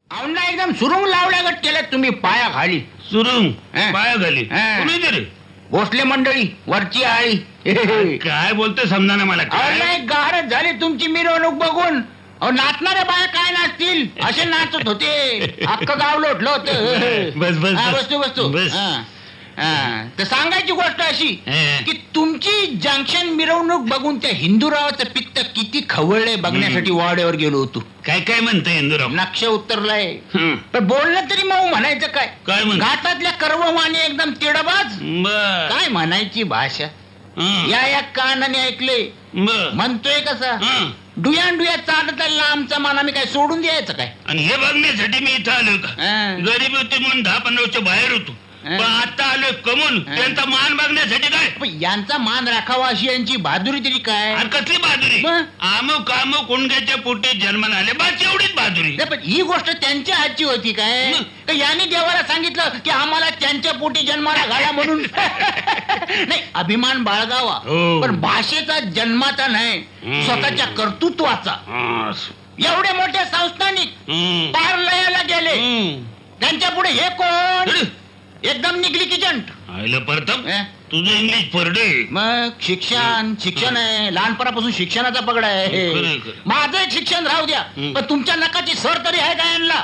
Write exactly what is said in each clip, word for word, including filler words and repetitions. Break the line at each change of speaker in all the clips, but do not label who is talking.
औंधा एकदम सुरुंग लावल्यागत केलं तुम्ही पाया खाली.
सुरुंग
हा.
पाया घाली
हा.
कुणी तरी
भोसले मंडळी वरची आळी.
काय बोलतोय समजा ना मला
अहो,
काय
नाही गारच झाली तुमची मिरवणूक बघून. अहो नाचणाऱ्या बाया काय नाचतील असे नाचत होते. अख्खं गाव लोटलं होतं.
बस, बस,
हा,
बस.
बसतो बसतो
बस.
हा. हा. तर सांगायची गोष्ट अशी
हा.
की तुमची जंक्शन मिरवणूक बघून त्या हिंदूरावाचं पित्त किती खवळलंय बघण्यासाठी वाड्यावर गेलो होतो.
काय काय म्हणतंय इंदुराव
नक्ष उतरलाय.
हं.
पण बोलणं तरी मग म्हणायचं काय.
काय म्हण
घाटातल्या कर्वमाने एकदम तिडबाज.
बर
काय म्हणायची भाषा.
हं.
या या कानाने ऐकले
बर
म्हणतोय कसा
हं.
डुयान डुया चालत आला आमचा मान आम्ही काय सोडून द्यायचं काय.
आणि हे बघण्यासाठी मी इथं आलो का
हं.
गरीब होते म्हणून दहा पंधरा वर्ष बाहेर होतो
हं.
पण आता आलोय कमून
हं.
त्यांचा मान बघण्यासाठी काय
पण यांचा मान राखावा अशी यांची बहादुरी तरी काय.
आणि कसली बहादुरी
मग?
आमुक आमुक कुंडग्याच्या पोटी जन्माला आले बस एवढीच बहादुरी
नाही, पण ही गोष्ट त्यांच्या हातची होती काय.
मग?
तर यांनी देवाला सांगितलं की आम्हाला त्यांच्या पोटी जन्माला घाला म्हणून. नाही अभिमान बाळगावा
हो.
पण भाषेचा जन्माचा नाही
हं.
स्वतःच्या कर्तृत्वाचा.
हं.
एवढे मोठे संस्थानिक
हं.
पार लयाला गेले
हं.
त्यांच्या पुढे हे कोण
अरे,
एकदम निघली किचंट.
आईला परतप
अं?
तुझं इंग्लिश परडे
मग शिक्षण शिक्षण आहे लहानपणापासून शिक्षणाचा पगड
खरंय,
आहे.
खरंय.
माझं एक शिक्षण राहू द्या
हं.
पण तुमच्या नकाची सर तरी आहे का यांना.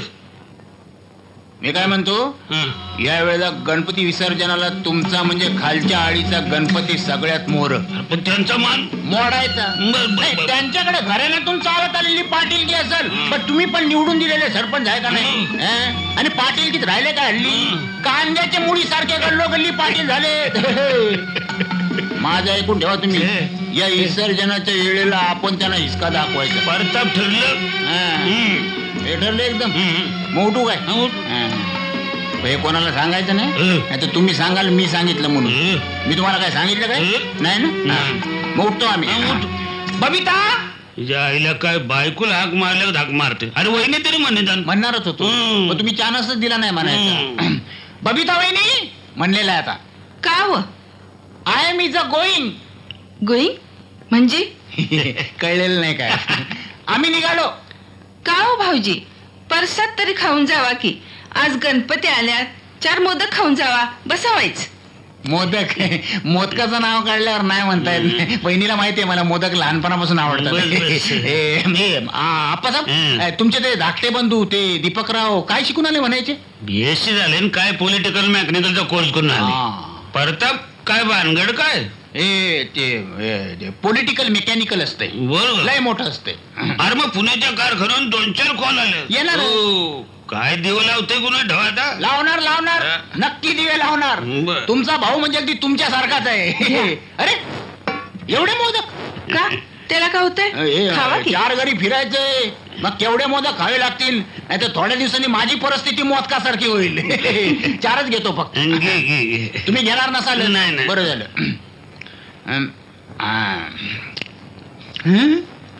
मी काय म्हणतो या वेळेला गणपती विसर्जनाला तुमचा म्हणजे खालच्या आळीचा गणपती सगळ्यात मोर
पण त्यांचा मान
मोडायचा.
बर, बर,
नाही,
बर.
त्यांच्याकडे घराण्यातून चालत आलेली पाटीलकी असेल पण तुम्ही पण निवडून दिलेले सरपंच आहे का नाही.
हं.
हं? आणि पाटीलकीत राहिले का हल्ली
हं.
कांद्याच्या मुळी सारखे गल्लो गल्ली पाटील झाले. माझं ऐकून ठेवा तुम्ही या विसर्जनाच्या वेळेला आपण त्यांना हिसका दाखवायचा.
परताप ठरलं
हं.
हं.
हे ठरलं एकदम
हं.
मोठू काय.
हं.
हं. हे कोणाला सांगायचं नाही
हं.
नाही तर तुम्ही सांगाल मी सांगितलं म्हणून.
हं.
मी तुम्हाला काय सांगितलं काय
हं.
नाही ना.
नाही.
हं. मग उठतो आम्ही.
हं, उठ.
बबिता
तुझ्या आईला काय बायकोला हाक मारल्यावर हाक मारते अरे वहिनी तरी म्हणे जाण
म्हणणारच होतो
हं.
पण तुम्ही चानसच दिला नाही म्हणायचा.
हं.
बबिता वहिनी म्हणलेला आहे आता.
का व
I am is a going.
Going म्हणजे
कळलेलं नाही काय. आम्ही निघालो.
का हो भाऊजी परसात तरी खाऊन जावा की आज गणपती आल्यात चार मोदक खाऊन जावा बसावायच.
मोदक मोदकाचं नाव काढल्यावर नाही म्हणता येत नाही. बहिणीला माहितीये मला मोदक लहानपणापासून आवडतात.
बस, बस.
ए, मी आप्पासाहेब
हं.
तुमचे ते धाकटे बंधू ते दीपकराव काय शिकून आले म्हणायचे.
बीएससी झाले आणि काय पॉलिटिकल मेकॅनिकलचा कोर्स करून आले
हा.
परताप काय भानगड काय
ए ते पॉलिटिकल मेकॅनिकल असते
बरोबर
लय मोठं असते.
अरे मग पुण्याच्या कारखान्यात दोन चार कॉल आले
येणार.
हो. काय देव लावते कुणा ढवाता
लावणार लावणार
हा.
नक्की दिवे लावणार.
बरं.
तुमचा भाऊ म्हणजे अगदी तुमच्या सारखाच आहे. अरे एवढे मोदक
का त्याला का होतंय
हे,
खावा की
चार घरी फिरायचंय मग केवढे मोदक खावे लागतील नाही तर थोड्या दिवसांनी माझी परिस्थिती मोदकासारखी होईल. चारच घेतो फक्त.
घे, घे, घे.
तुम्ही घेणार नसाल.
नाही, नाही.
बरं झालं. अम, आ. हं?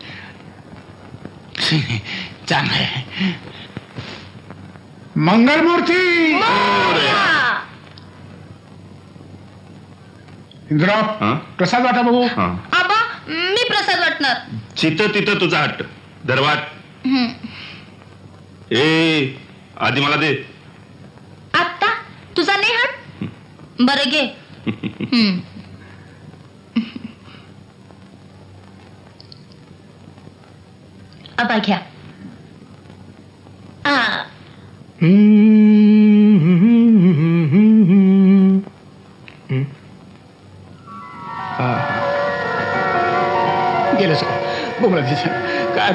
चांगलं आहे.
मंगलमूर्ती इंद्राव
हं?
प्रसाद वाटा बघू.
हं.
आबा मी प्रसाद वाटणार.
चितं तिथं तुझा हट्ट दरवाट ए आधी मला दे.
आत्ता तुझा नाही हट बरं घे. हम्म. आबा घ्या. आ,
गेलं सगळं बोमला तिथं काय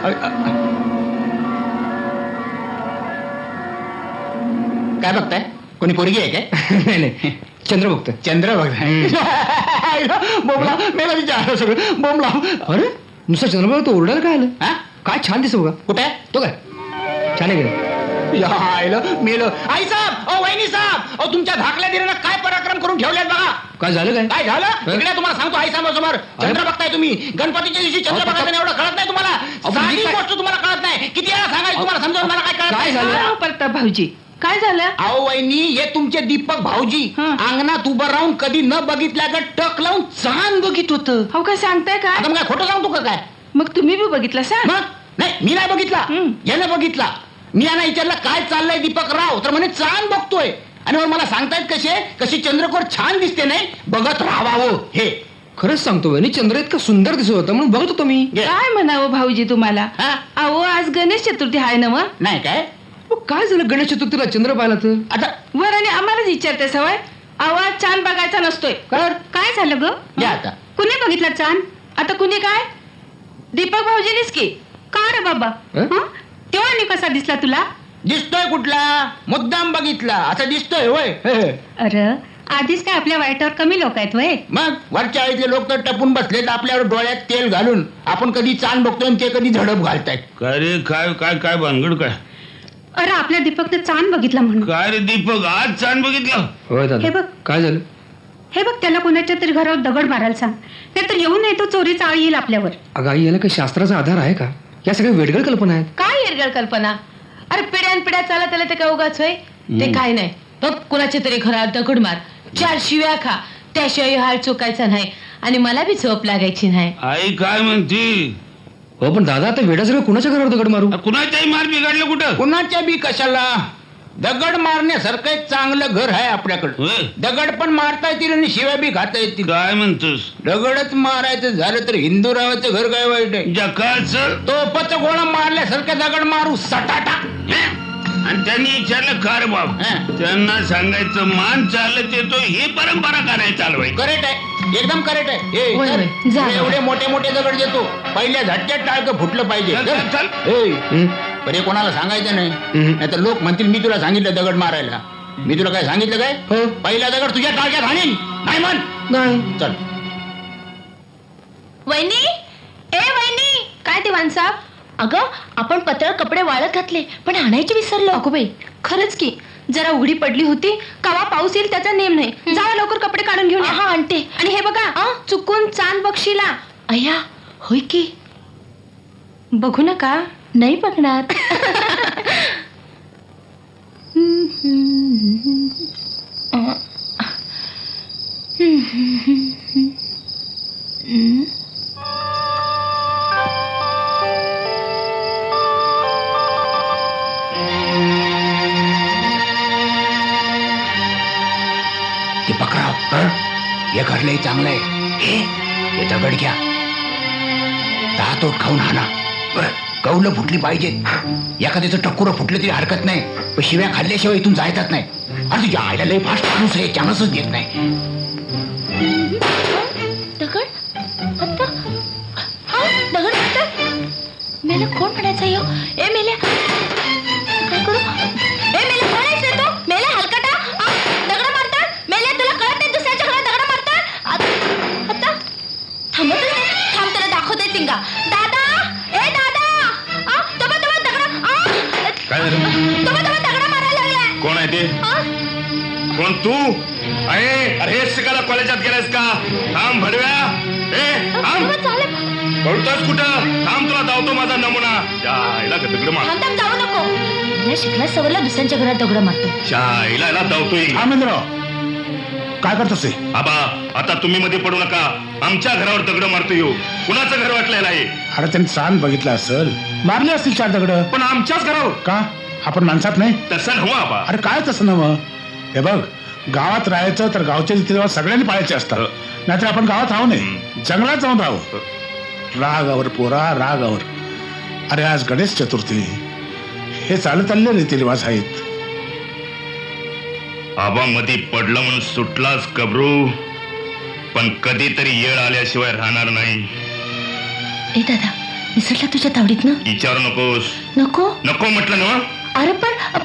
काय बघताय कोणी पोरगी आहे काय.
नाही नाही चंद्र बघतो.
चंद्र बघताय. बोमला मेला विचार सगळं बोमला.
अरे नुसतं चंद्र बघतो ओरडायला काय आलं.
हा
काय छान दिसतो बघा.
कुठे आहे?
तो काय छान आहे गेलं.
यायला मेलं. आई साहेब ओ वहिनी साहेब अहो तुमच्या धाकल्या दिरानं काय पराक्रम करून ठेवलेत बघा.
काय झालं काय
काय झालं इकडे तुम्हाला सांगतो आई साहेब समोर चंद्र बघताय तुम्ही गणपतीच्या दिवशी चंद्र
अहो,
बघायचं नाही एवढं कळत नाही तुम्हाला.
पण
साधी
मी काय-
गोष्ट तुम्हाला कळत नाही. किती वेळा सांगायचं तुम्हाला समजावून मला काय कळत
काय
नाही.
झालं?
का हो परताप भाऊजी काय झालं
अहो वहिनी हे तुमचे दीपक भाऊजी
हं.
अंगणात उभं राहून कधी न बघितल्यागत टक लावून चांद बघित होतं.
हो काय सांगताय का
आता मग काय खोटं सांगतो का काय.
मग तुम्ही बी बघितलं सा
मग नाही मी नाही बघितला
हं.
यानं बघितला मी यांना विचारलं काय चाललंय दीपक राव, तर म्हणे चांद बघतोय. आणि मग मला सांगतायत कसे कशी चंद्रकोर छान दिसते नाही, बघत राहावं हे.
खरंच सांगतो वहिनी, चंद्र इतका सुंदर दिसत होता म्हणून बघत होतो मी.
घे.
काय म्हणावं भाऊजी तुम्हाला?
हा?
अहो आज गणेश चतुर्थी आहे ना मग.
नाही काय
मग काय झालं गणेश चतुर्थीला चंद्र पाहिला तर?
आता
वर आणि आम्हालाच विचारते सवय. आवाज चांद बघायचा नसतोय.
काय?
काय झालं ग?
घ्या आता.
कुणी बघितला चांद? आता कुणी काय? दीपक भाऊजीनीच की. का रे बाबा?
हं?
हं? तेव्हा आणि कसा दिसला तुला?
दिसतोय कुठला, मुद्दाम बघितला असं दिसतोय होय.
अरे आधीच काय आपल्या वाईटावर कमी लोक आहेत वय.
मग वरच्या आळीतले लोक तर टपून बसलेत आपल्यावर डोळ्यात तेल घालून. आपण कधी चांद बघतोय आणि ते कधी झडप घालतायत.
काय रे काय काय काय भानगड काय?
अरे आपल्या दीपकने चांद बघितला म्हणून.
काय रे दीपक आज चांद बघितलं?
होय
हे
दादा,
बघ.
काय झालं?
हे बघ त्याला कोणाच्या तरी घरावर दगड मारायला सांग, नाहीतर येऊन नाही तो चोरीचा आळ येईल आपल्यावर.
अगं आई, याला काही शास्त्राचा आधार आहे का? या सगळ्या वेडगळ कल्पना आहेत.
काय येरगळ कल्पना? अरे पिढ्यान पिढ्या चालत आलं ते काय उगाच होय? ते काय नाही, बघ कुणाच्या तरी घरात दगड मार, चार शिव्या खा, त्याशिवाय हाल चुकायचा नाही आणि मला बी झोप लागायची नाही.
आई काय म्हणती?
हो पण दादा, आता वेडा सगळं कुणाच्या घरावर दगड मारू?
कुणाच्याही मार बिघडलं कुठं?
कुणाच्या बी कशाला, दगड मारण्यासारखं एक चांगलं घर आहे आपल्याकडं.
होय.
दगड पण मारता येतील आणि शिव्या बी खाता येतील.
काय म्हणतोस?
दगडच मारायचं झालं तर हिंदूरावाचं घर काय वाईट आहे.
जकाच
तोपच गोळा मारल्यासारखं दगड मारू सटाटा.
आणि त्यांनी विचारलं का रे बाब?
हं.
त्यांना सांगायचं मान चालत येतो ही परंपरा करायला चालवायची.
करेक्ट आहे, एकदम करेक्ट आहे. ए,
होय,
चल.
होय. जा.
तुला एवढे मोठे मोठे दगड देतो, पहिल्या झटक्यात टाळकं फुटलं पाहिजे.
चल, चल, चल.
ए,
हं?
पण हे कोणाला सांगायचं नाही,
हं.
नाहीतर लोक म्हणतील मी तुला सांगितलं दगड मारायला. मी तुला काय सांगितलं काय?
हो.
पहिला दगड तुझ्या टाळक्यात हाणीन. नाही म्हण.
नाही.
चल.
वहिनी, ए वहिनी.
काय दिवाण साहेब?
अगं आपण पतळ कपडे वाळत घातले पण आणायचे विसरलो.
अगो बाई, खरंच की जरा उघडी पडली होती, कवा पाऊस येईल त्याचा नेम नाही. जावा लवकर कपडे काढून घेऊन या.
हा आणते.
आणि हे बघा,
आ?
चुकून चांद बघशीला.
अय्या होय की,
बघू नका.
नाही बघणार.
दीपकराव, हे घर लय चांगलं आहे. हे हे दगड घ्या, दहा तोट खाऊन हाना. कौलं फुटली पाहिजे, एखाद्याचं टक्कुरं फुटलं तरी हरकत नाही, पण शिव्या खाल्ल्याशिवाय इथून जायचाच नाही. अरे तुझ्या आईला लय फास्ट माणूस आहे, चान्सच देत नाही.
दगड आता हा दगड आता मेला कोण म्हणायचा यो? ए मेल्या काय करू? ए मेल्या कोण आहेस रे तू? मेल्या हलकटा आ, दगड मारतात. मेल्या तुला कळत नाही दुसऱ्याच्या घरात दगड मारतात? आ- आता थांबतच नाही. थांब त्याला दाखवते सिंगा. दादा, ए दादा, आ तबा तबा दगड आ
काय झालं?
तबा तबा दगड मारायला लागलाय.
कोण आहे ते?
आ
कोण तू? अरे अरे हेच शिकायला कॉलेजात गेलायस का? थांब भडव्या. ए थांब.
तबा चालेल.
पळतोस कुठं? थांब, तुला धावतो माझा नमुना. आईला दगड मार.
थांब थांब जाऊ नको. नाही शिकला सवरला दुसऱ्यांच्या घरात दगड मारतो.
आईला याला धावतोय.
काय करतोस?
आबा आता तुम्ही मध्ये पडू नका. आमच्या घरावर दगड मारतो येऊ. कुणाचं घर वाटलेलं आहे?
अरे त्यांनी चांद बघितला असेल, मारले असतील चार दगड.
पण आमच्याच घरावर
का? आपण माणसात नाही?
तसं नव्ह आबा.
अरे काय तसं ना मग? हे बघ, गावात राहायचं तर गावचे रीतिरिवाज सगळ्यांनी पाळायचे असतात. नाहीतर आपण गावात राहू नये, जंगलात जाऊन राहू. रागावर पोरा रागावर. अरे आज गणेश चतुर्थी, हे चालत आलेले रीतिरिवाज आहेत.
आबा मध्ये पडलं म्हणून सुटलाच कबरू, पण कधीतरी येळ आल्याशिवाय राहणार नाही.
ए दादा, निसटला तुझ्या तावडीत ना?
विचारू नकोस.
नको
नको म्हटलं ना.
अरे पण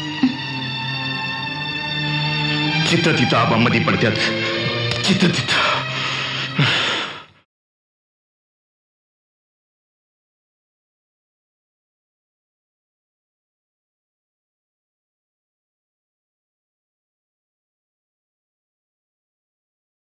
चित्त तिथं आबा मध्ये पडत्यात. चित्त तिथं